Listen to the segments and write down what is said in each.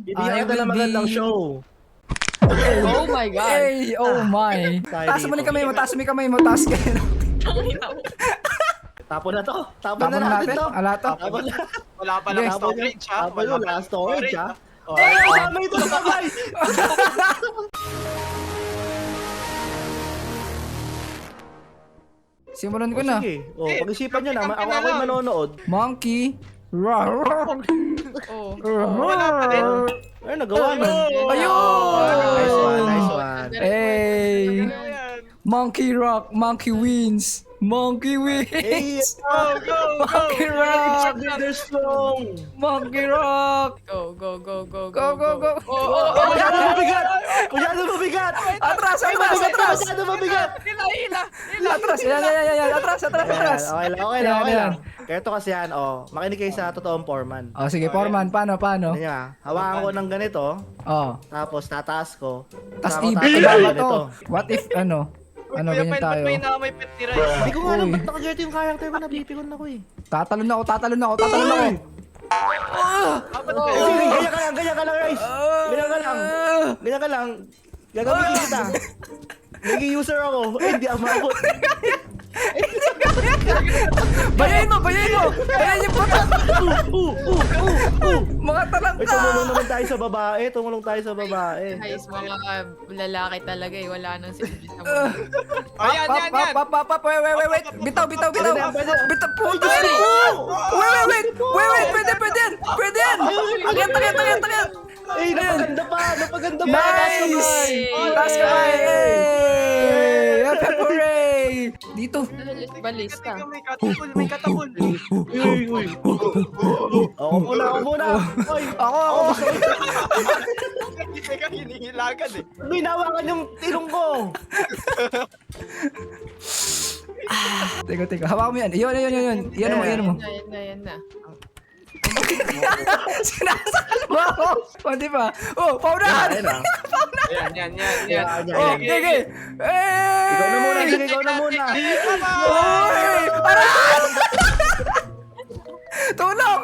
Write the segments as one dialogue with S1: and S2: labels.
S1: Bibigyan ka na magandang show.
S2: Oh my God.
S3: Hey, oh my. Taas mo yung kamay mo, taas mo yung kamay mo, taas kayo.
S1: Tapon na to. Tapon
S3: Tapon
S1: na
S3: na
S1: natin
S3: natin.
S1: to.
S3: Ala to.
S1: Tapon na.
S4: Wala pa lang
S3: Yes.
S4: storage ha.
S1: Tapon
S4: Wala
S1: yung
S4: pa
S1: last storage ha.
S4: Oh,
S1: Ay, kasama ito sa kamay.
S3: Simulan ko na.
S1: Sige. Oh, pag-isipan nyo na.
S4: Kampi
S1: Ako
S4: na
S1: ako'y
S4: lang.
S1: manonood.
S3: Monkey. Rar.
S2: Oh.
S4: Wala pa din.
S1: Ay, nagawa na.
S3: Ayun!
S1: Nice one, nice one.
S3: Hey.
S4: Ayan.
S3: Monkey rock, monkey wins. Monkey
S1: Hey,
S3: wins.
S4: Go, go, go.
S3: Monkey rock.
S1: they're strong.
S3: Monkey rock.
S2: Go, go, go, go,
S3: Go, go, go.
S1: Masyado mabigat. Masyado mabigat.
S3: Atras, atras, atras.
S1: Masyado mabigat.
S3: Atras, yan, yan, yan, yan. Atras, atras, atras.
S1: Okay lang, okay lang,
S3: Yan,
S1: okay
S3: yan.
S1: lang. Kaya ito kasi yan, makinig kayo sa totoong foreman.
S3: Oh, sige, Foreman, paano, paano?
S1: Ano niya, hawakan ko ng ganito,
S3: Oh.
S1: tapos tataas ko.
S3: Tas
S1: saka ko
S3: ibaba
S1: tatanggalin
S3: to.
S1: ito.
S3: What if, ano,
S4: Kuya
S3: ganyan
S4: Pen, ba't
S3: tayo?
S4: may may pet ni Rice?
S1: Hindi ko nga alam
S3: Uy.
S1: ba't naka-dirty yung character ko, napipikon ako eh.
S3: Tatalon ako, tatalon ako, tatalon ako.
S4: Dapat
S1: Ganyan ka lang, guys. Ganyan ka lang. Ganyan ka lang. Gagamitin kita. Naging user ako. Eh, hindi ako maabot.
S3: Bayain mo, bayain mo. Bayain yung puto. Mga
S1: Ay,
S3: talangka.
S1: tumulong naman tayo sa babae. Tumulong tayo sa babae.
S2: Guys, mga lalaki talaga eh. Wala nang silbi sa mundo.
S4: Ayan, yan, yan.
S3: Pap, wait. Bitaw. Bitaw.
S1: Pwede na, pwede na.
S3: Bitaw, puto. Wait. Pwede yan. Akit.
S1: Eh, napaganda pa. Napaganda pa.
S3: Nice!
S2: Hey!
S3: Taas kamay! Hey! Hooray! Dito.
S2: Balista.
S4: May katapul.
S1: Uy. Ako muna. Oy,
S3: Ako.
S4: Teka, hinihilagan eh.
S1: may nawakan yung tilong ko.
S3: Teka. Hawakan mo yan. Yun. Yan mo.
S2: Yan na.
S3: Sinasakal mo ako. O, di ba? Oh, paunahan.
S1: Ayan ah.
S4: Yan.
S1: Yan.
S3: Oh, sige. Hey!
S1: Ikaw na muna, sige, ikaw na muna.
S3: Oy! Aray! Tulong!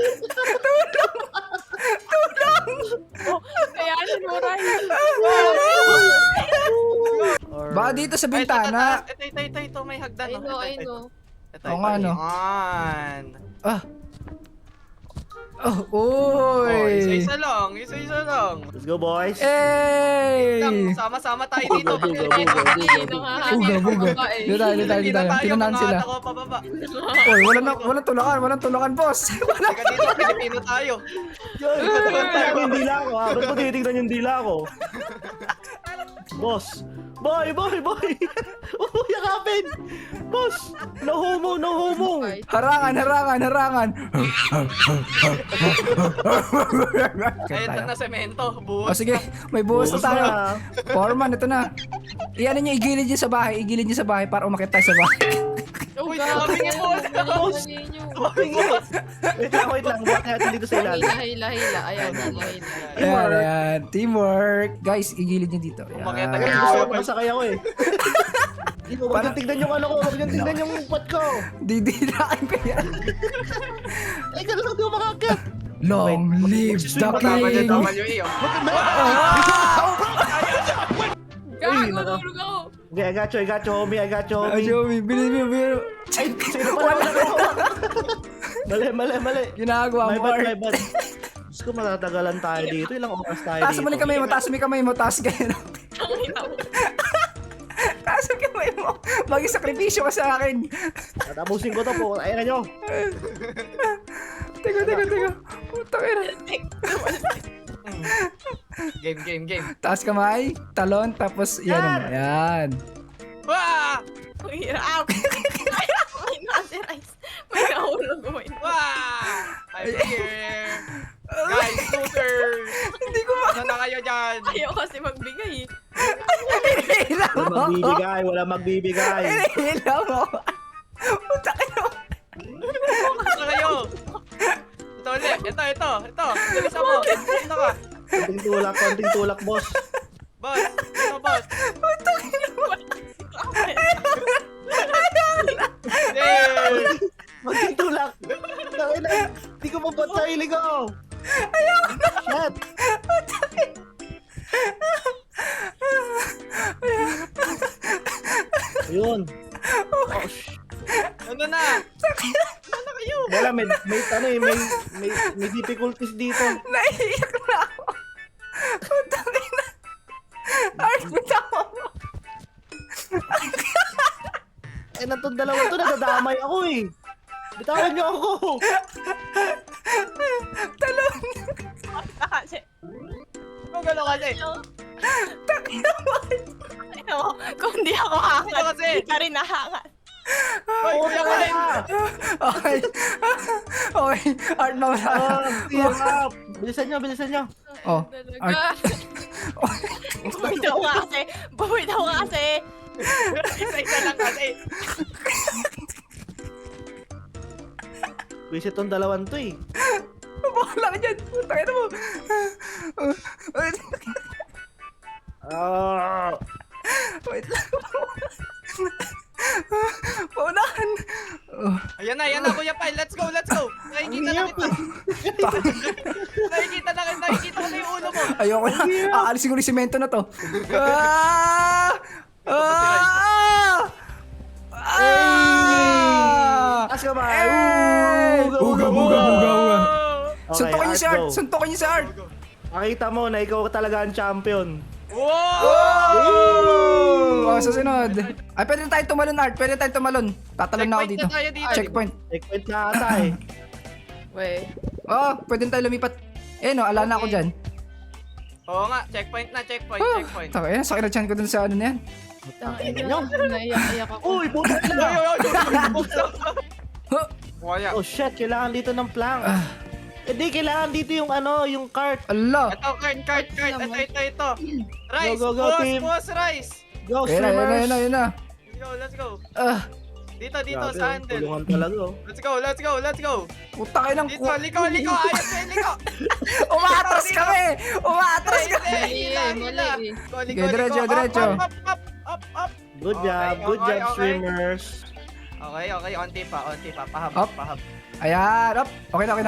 S2: Kaya ano mo, Ryan?
S3: Baka dito sa bintana.
S4: Ito, may hagdan.
S2: I know.
S3: Oo nga, no.
S4: Yan.
S3: Ah. Oh,
S4: Oh,
S3: uy!
S4: isa-isa lang.
S1: Let's go, boys.
S3: Hey!
S4: Sama-sama tayo dito.
S3: Buga. Dito tayo. Tinanan sila.
S4: Ako pababa.
S3: Oy, walang tulakan, boss.
S4: Teka dito, Pilipino tayo.
S1: Yun, tatagan tayo yung dila ko ha. Ba't mo tinitignan yung dila ko? Boss. Boy. Yakapin. Boss. No homo.
S3: Harangan.
S4: Ay, ito na semento.
S3: O
S4: Buhos.
S3: sige, may buhos na
S1: Buhos
S3: tayo.
S1: na.
S3: Foreman, ito na. Iyan niyo, igilid niyo sa bahay para umakit tayo sa bahay.
S4: Uy, sabi niya po.
S1: Wait lang. Bakit natin dito sa ilalim?
S2: Hila. Ayan.
S3: Ayan. Teamwork. Guys, igilid niyo dito.
S4: Umakyat
S3: Ayan.
S4: agad.
S1: Gusto ko masakay ako eh. Hindi ko, wag yung tignan yung ano ko. Wag yung tignan yung pot ko.
S3: Didirakin ko yan.
S1: Ay, ganun lang di ko makakit.
S3: Long live the
S4: Tama niya,
S3: king.
S4: tama niyo iyo.
S2: Gago, nahulog ako.
S1: Okay, I got you, homie.
S3: Ah, Joey, bilhin mo.
S1: Ay, sino pala Mali.
S3: Ginagawa
S1: My
S3: mo.
S1: bad. Diyos ko, matatagalan tayo dito. Ilang oras tayo
S3: Taas mo
S1: dito.
S3: yung kamay mo, taas kayo. Taas mo kamay mo. Mag-isakripisyo ka sa akin.
S1: Tatapusin ko to po. Ayan na nyo.
S3: Teka. Putang ina.
S4: Game.
S3: Taas kamay, talon, tapos yan. Yan.
S4: Wah!
S2: Ang hirap. May nasa-rice. May nahulog.
S4: Wah! I'm here. Guys, shooters.
S3: Hindi ko
S4: Ano na kayo dyan?
S2: Ayaw kasi magbigay eh.
S3: Hinihila mo.
S1: Wala magbibigay.
S3: Hinihila mo. Putang ina.
S4: Ano na kayo? Ito ulit. Ito. Bilisan mo. Sino ka?
S1: Konting tulak, boss.
S4: Boss. Sino boss? Yay!
S1: Konting tulak. Hindi ko mabot sa hilig ko. Shit. Yun.
S4: Ano na? Ano kayo?
S1: Wala, may difficulties dito.
S3: Naiiyak na ako. Putang ina. Art, bitawan mo.
S1: Eh, natong dalawa to, nadadamay ako eh. Bitawan niyo ako.
S3: Talon.
S5: Kasi,
S4: Kung gano'n kasi.
S5: ano, kung di ako hangat,
S4: Ano kasi?
S5: di ka rin nahangat.
S4: Hoy, kuya ko rin.
S3: Okay. Okay. Art, mawala.
S1: Clear up. Bilisan niyo.
S3: Oh, Art.
S2: Talaga.
S5: Buhay daw nga kasi. Buhay daw nga kasi.
S4: Isa lang kasi.
S1: Visit tong dalawan to eh.
S3: Wala ka dyan. Putang ina mo. Wait lang. Paunahan. Oh.
S4: Ayan na, Kuya Pai. Let's go. Nakikita na kita. Nakikita ko na yung ulo mo.
S3: Ayoko na. Aalisin ko yung simento na to. Ah! Ah! Ah!
S1: Taas ka ba?
S3: Uga.
S1: Okay,
S3: Suntokin niyo si Art.
S1: go.
S3: Suntokin niyo si Art.
S1: Makita mo na ikaw talaga ang champion.
S4: Wow!
S3: Oh, susunod. Ay, pwede tayo tumalon, Art. Pwede tayo tumalon. Tatalon na ako dito.
S4: Checkpoint na tayo dito.
S3: Checkpoint.
S1: Checkpoint na ata eh.
S2: Wait.
S3: Oh, pwede tayo lumipat. Eh, no, ala na ako dyan.
S4: Oo nga, checkpoint.
S3: Taka, yan. Sakit na chan ko dun sa ano na yan.
S2: Naiyak ako.
S1: Uy, puta
S4: Oy,
S1: na!
S4: oy, oy.
S3: Huh?
S4: Kuya.
S1: Oh shit, kailangan dito ng plank. Hindi, kailangan dito yung ano, yung cart.
S3: Ala.
S4: Ito, cart. Ito. Rice,
S1: Go, team.
S4: boss, rice.
S1: Go,
S3: Ayun
S1: swimmers!
S3: na.
S4: Let's go.
S3: Ah,
S4: Dito,
S1: Grabe,
S4: sa handle.
S1: tulungan talaga oh.
S4: Let's go.
S3: puta kayo ng
S4: Dito, liko. Ayos na, liko.
S3: Umaatras kami! Umaatras kami!
S4: Hila.
S3: Okay, diretso.
S4: Up.
S1: Good job,
S4: Okay.
S1: swimmers.
S4: Okay, onti pa.
S3: Up.
S4: Pahab.
S3: Ayan, up. Okay na.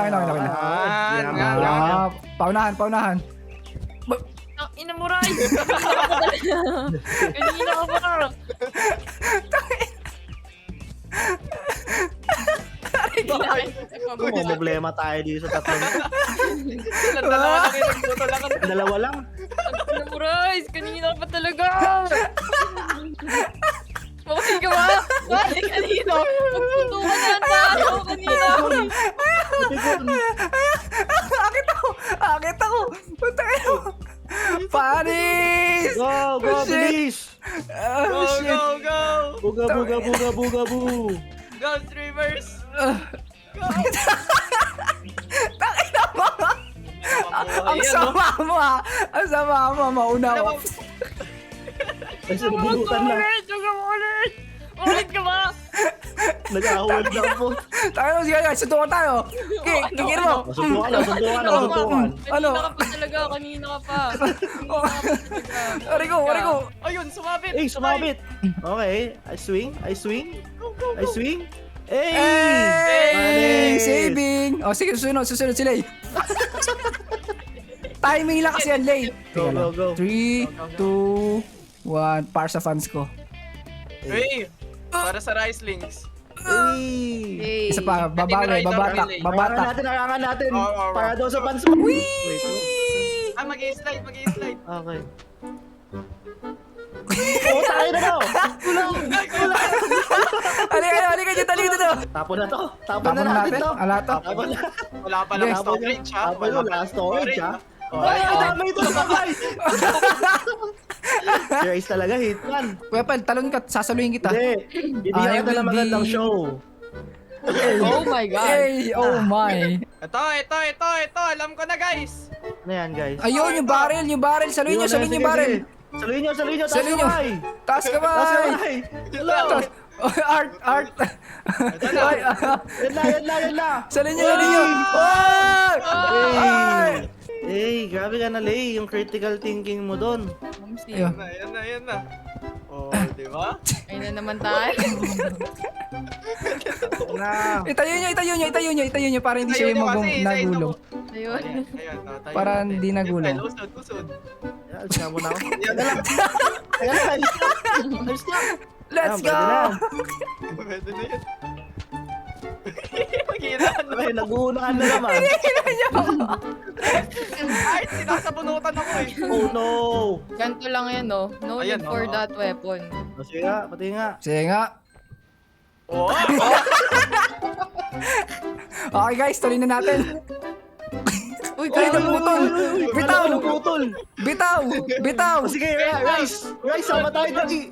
S4: Yan.
S3: Paunahan.
S2: Ang ina mo, Ray! Kanina ka pa.
S1: Kung may problema tayo dito sa tatlong.
S4: Dalawa lang yung nagbuto lang.
S1: Dalawa lang.
S2: Ang ina mo, Ray! Kanina ka pa talaga! Bakit ka ba? Bakit kanina? Magputo ka na ang tao kanina!
S3: Akit ako! Puta kayo! Panis!
S1: Go,
S3: Oh, shit.
S1: bilis!
S3: Oh, shit!
S4: Go.
S1: Buga, bu.
S4: Go, streamers.
S3: Takina mo! Ang sama mo ha! Ang sama mo! Mauna ako.
S1: Ay, sinubunutan lang.
S2: Ulit ka ba?
S1: Nag-ahawal lang po.
S3: Tayo, sige, suntukan tayo. Kikir mo.
S1: Suntukan.
S3: Ano?
S2: Kanina ka pa talaga, kanina ka pa.
S3: Ari ko.
S4: Ayun, sumabit.
S1: Eh, sumabit. Okay, I swing. Hey!
S3: Hey!
S1: Panis!
S3: Saving! O, sige, susunod si Lay. Timing lang kasi yan, Lay.
S1: Go.
S3: 3, 2, 1. Para sa fans ko.
S4: Hey, para sa rice links.
S1: Hey!
S2: Hey.
S3: Isa pa, babawi, babatak.
S1: Harangan natin.
S4: Oo.
S1: Para daw sa fans. Wait.
S4: Mag-i-slide.
S1: Okay. Oo, tayo na daw.
S3: Halika dito.
S1: Tapon na to.
S3: Tapon na natin. Ala to.
S1: Tapon na.
S4: Wala pa lang
S3: Okay.
S4: storage, ha?
S1: Tapon na. Last storage, ha?
S4: Okay.
S1: Ay, dami ito na, guys. Si Rice talaga, hitman.
S3: Kuya Pal, talon ka, sasaluhin kita.
S1: Hindi. Bibigyan ka na magandang show.
S2: Oh my God.
S3: Hey, oh my.
S4: Ito. Alam ko na, guys.
S1: Ano yan, guys?
S3: Ayun, yung barrel. Saluhin nyo
S1: Sige,
S3: yung barrel.
S1: sige. Saluhin nyo.
S3: Saluhin nyo. Taas ka ba?
S1: Hello.
S3: Art.
S4: Ito na.
S1: Yan na.
S3: Saluhin nyo. Ay!
S1: Hey, grabe ka na, Lay. Yung critical thinking mo doon.
S3: Ayun.
S4: Yan na. Oh, di ba?
S2: Ayun na naman tayo.
S1: Na.
S3: Itayo nyo para hindi siya nagulong.
S2: Ayun.
S4: Ayan, tayo.
S3: Para hindi nagulong.
S4: Usod.
S1: Alis na muna ako.
S4: Yan na.
S1: Alis na.
S3: Let's
S1: Pwede
S3: go!
S1: na.
S4: Pwede na yun. Maghihilaan na.
S1: Ay, nag-uunahan na naman.
S4: Ay, sinasabunutan ako eh.
S1: Oh no.
S2: Ganito lang yan, no? No
S4: Ayan,
S2: need for
S4: oo.
S2: that weapon.
S1: Sige nga, pati nga.
S3: Sige nga.
S4: Oo.
S3: Okay guys, tuloy na natin.
S2: Uy,
S3: Ay,
S2: kaya
S3: naputol! Bitaw!
S1: Ano, putol?
S3: Bitaw! Bitaw!
S1: Oh, sige, Rice! Rice, sama tayo dali!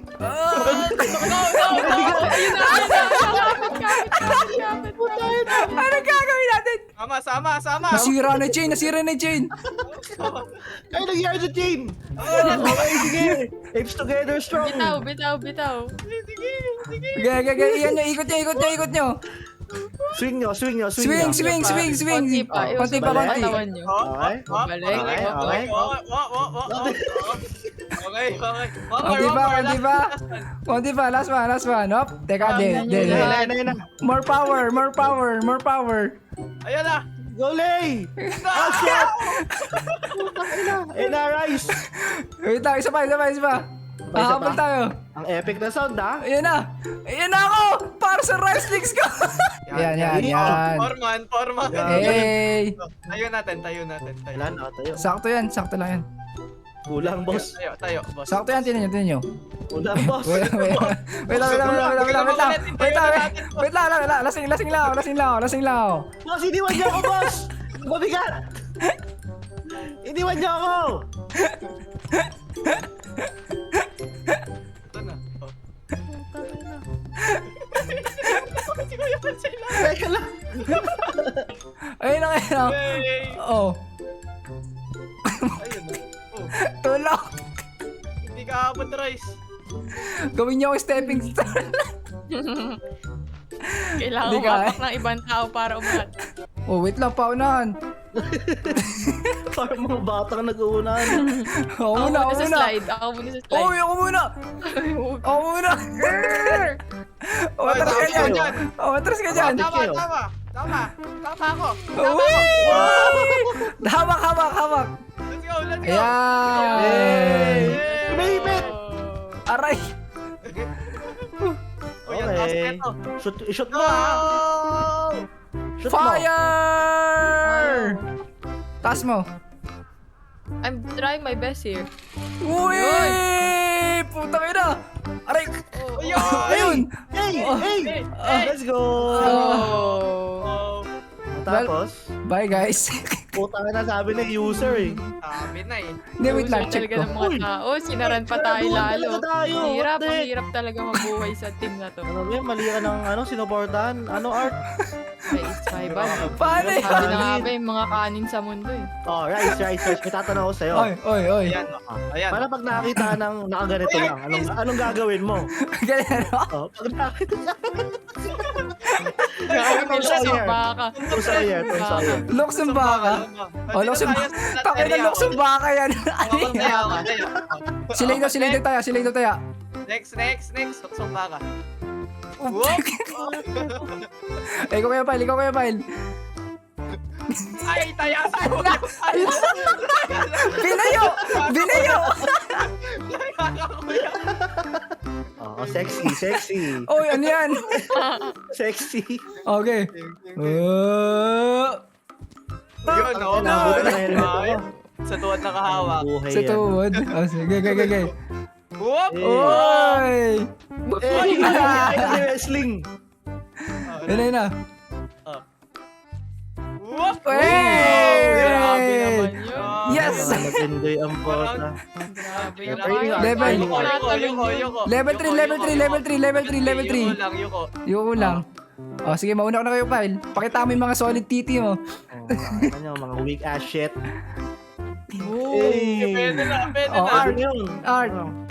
S3: Ano gagawin natin?
S4: Sama.
S3: Nasira na Jane! Nasira na Jane!
S1: Ay, nangyari sa team! Okay, sige! Apes together strong!
S2: Bitaw.
S3: Gagagag, iyan nyo, ikot nyo!
S1: Swing nyo!
S3: Swing!
S2: Konti pa.
S3: Konti pa,
S1: Balik.
S3: konti.
S2: Katawan nyo.
S1: Okay?
S2: Balik.
S1: Okay.
S4: Okay.
S3: Konti pa, last one. Hop, teka,
S2: Ayan
S3: de.
S2: yun.
S1: Ayun na.
S3: More power!
S4: Ayan na.
S1: Go, Lay! Oh, shit! Ayun na, Rice!
S3: Wait lang, isa pa. Habol tayo.
S1: Ang epic na sound, ha?
S3: Ayan na ako! Para sa rice legs ko! Yan.
S4: Forman.
S3: Hey!
S4: Tayo natin.
S1: Wala na, tayo.
S3: Sakto lang yan.
S1: Kulang, boss.
S4: Tayo, boss.
S3: Sakto yan, tinan nyo.
S1: Kulang, boss.
S3: Wait lang. Lasing lang ako.
S1: Boss, iniwan niyo ako, boss! Mabigat! Iniwan niyo ako!
S4: Ito na. Oh.
S1: Teka lang!
S3: Ayun na.
S4: Hey!
S3: Oh,
S4: Ayun na. Oh,
S3: tulak.
S4: hindi ka abot, Rice.
S3: Gawin niyo ako stepping stone.
S2: Kailangan
S3: Hindi ka,
S2: umapak ng ibang tao para umangat.
S3: Oh, wait lang, paunahan.
S1: Parang mga batang nag-uunahan.
S3: Ako muna.
S2: Ako muna sa slide.
S3: Oy, ako muna. Oh,
S4: Oy,
S3: atras ka
S4: tama
S3: dyan.
S4: dyan.
S3: Oh, atras ka dyan.
S4: Tama ako.
S3: Uy! Hawak.
S4: Let's go.
S3: Ayan.
S1: Hey! Kumahipit!
S3: Aray.
S4: Oh, yan, taas
S1: Okay.
S4: neto.
S1: Shoot mo, ha? Shoot mo.
S3: Fire! Taas mo.
S2: I'm trying my best here.
S3: Uy! Putang ina! Aray!
S4: Ayun!
S3: Ayun!
S1: Hey! Let's go!
S2: Oh.
S1: Tapos,
S3: Bye guys.
S1: putang na sabi ng user eh.
S4: Sabi na eh.
S3: Hindi, wait lang.
S2: Uso
S3: Check
S2: talaga
S3: ko.
S2: ng mga tao. Sinaran pa tayo
S1: Sinaduhan
S2: lalo.
S1: talaga tayo.
S2: Hirap,
S1: What the
S2: ang
S1: heck?
S2: hirap talaga mabuhay sa team na to.
S1: Ano ba yun? Mali ka ng sinuportahan? Ano, Art?
S2: Guys, my bad.
S3: Paano
S2: Sabi
S3: yan?
S2: na nga ba yung mga kanin sa mundo eh.
S1: Oh, Rice. May tatanong ako sa'yo.
S3: Oy.
S4: Ayan. Ayan.
S1: Para pag nakakita ka ng nakaganito lang, anong gagawin mo?
S3: Ganyan, no?
S1: Oh, pag nakakita
S2: Grabe
S1: Tom
S2: sa
S1: Sawyer.
S2: baka.
S1: Tom Sawyer.
S3: Luksong baka. Oh, luksong baka. Takay na luksong baka yan. Ano yan? Silay tayo.
S4: Next. Luksong baka.
S3: Ikaw kaya, Pile.
S4: Ay, tayasan mo!
S3: Binayo!
S1: Oh, sexy.
S3: Oy, ano yan?
S1: Sexy.
S3: Okay.
S4: Yun, oh.
S1: Ang buti na helmet ako.
S4: Sa tuwad nakahawak.
S1: Buhay
S3: Sa
S1: yan.
S3: tuwod. Oh, sige.
S4: Whoop!
S3: Oy!
S1: Ay, wrestling.
S3: Yun na.
S4: Whoop!
S2: Grabe naman
S3: Hey!
S2: yun.
S3: Yes!
S1: Nag-enjoy ang bota.
S2: Grabe
S1: Level.
S2: naman.
S4: Yuko.
S3: Level 3. Yuko lang. Oh, sige, mauna ko na kayo, Pile. Pakita mo yung mga solid titi mo.
S1: Mga weak ass shit.
S4: Pwede na.
S3: Oh,
S1: Art yun.
S3: Art.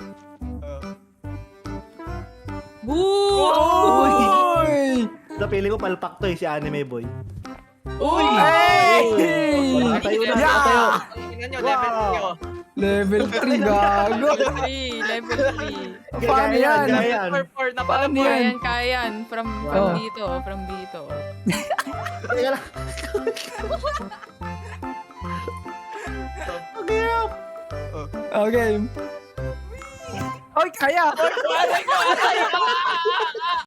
S3: Uy!
S1: Napili ko palpak to si Anime Boy.
S4: Uy!
S3: Hey!
S1: Tayo na,
S3: Yeah!
S1: tayo.
S4: Tingnan nyo, level 3 oh.
S3: Level 3, gago.
S2: Level 3.
S3: Paano yan?
S1: Gaya yan.
S4: Level 4 na pala
S3: Paano
S4: po.
S3: yan?
S2: Kaya yan. From
S3: Oh.
S2: dito.
S1: Teka lang. Ang hirap.
S3: Okay. Oy, kaya!
S4: Oy, malay ko!